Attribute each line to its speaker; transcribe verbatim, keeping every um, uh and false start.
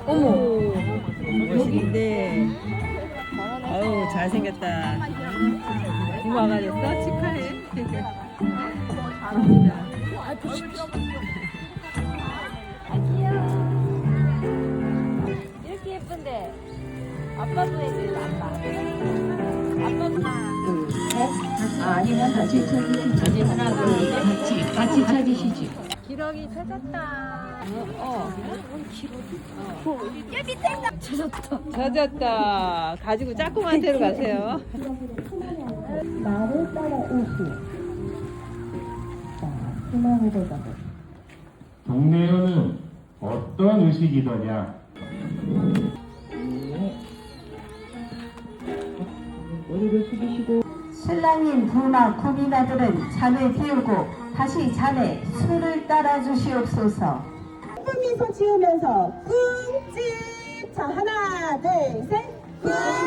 Speaker 1: 어머. 멋있는데. 아우 잘생겼다. 부모가 됐어? 축하해. 잘합니다.
Speaker 2: 이렇게 예쁜데 아빠도 해줘요. 아빠. 아빠도
Speaker 3: 아, 아니면 같이 찾으시지. 다시 하나, 둘, 셋. 같이, 같이 찾으시지.
Speaker 2: 기러기 찾았다.
Speaker 1: 어.
Speaker 2: 야 밑에 있다. 찾았다.
Speaker 1: 젖었다. 가지고 짝꿍한 데로 가세요.
Speaker 3: 나를 따라오시. 자, 희망으로 가보.
Speaker 4: 동네에는 어떤 의식이더냐?
Speaker 3: 머리를 숙이시고.
Speaker 5: 신랑인 부나 구미나들은 잔을 비우고 다시 잔에 술을 따라 주시옵소서.
Speaker 6: 예쁜 미소 지으면서 꿍집. 자, 하나 둘 셋. 꿍.